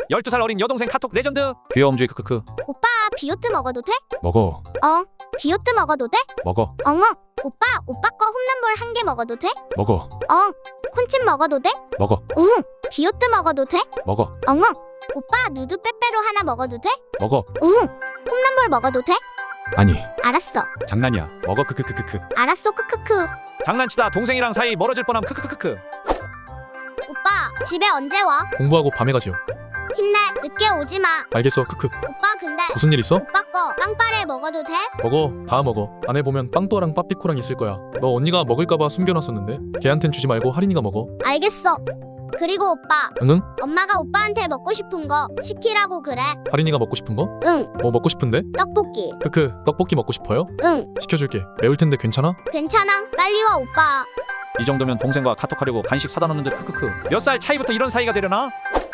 12살 어린 여동생 카톡 레전드. 귀여움주의 크크크. 오빠 비오트 먹어도 돼? 먹어. 비오트 먹어도 돼? 먹어. 오빠 거 홈런볼 한 개 먹어도 돼? 먹어. 콘칩 먹어도 돼? 먹어. 비오트 먹어도 돼? 먹어. 오빠 누드 빼빼로 하나 먹어도 돼? 먹어. 홈런볼 먹어도 돼? 아니. 알았어. 장난이야. 먹어. 크크크크크. 알았어 크크크. 장난치다 동생이랑 사이 멀어질 뻔함 크크크크크. 오빠 집에 언제 와? 공부하고 밤에 가지요. 힘내. 늦게 오지 마. 알겠어. 크크. 오빠 근데 무슨 일 있어? 오빠 거 빵빠레 먹어도 돼? 먹어. 다 먹어. 안에 보면 빵또랑 빠삐코랑 있을 거야. 너 언니가 먹을까봐 숨겨놨었는데 걔한텐 주지 말고 하린이가 먹어. 알겠어. 그리고 오빠 응? 엄마가 오빠한테 먹고 싶은 거 시키라고 그래. 하린이가 먹고 싶은 거? 응. 뭐 먹고 싶은데? 떡볶이. 크크. 떡볶이 먹고 싶어요? 응. 시켜줄게. 매울 텐데 괜찮아? 괜찮아. 빨리 와 오빠. 이 정도면 동생과 카톡하려고 간식 사다 놓는 듯 크크크. 몇 살 차이부터 이런 사이가 되려나?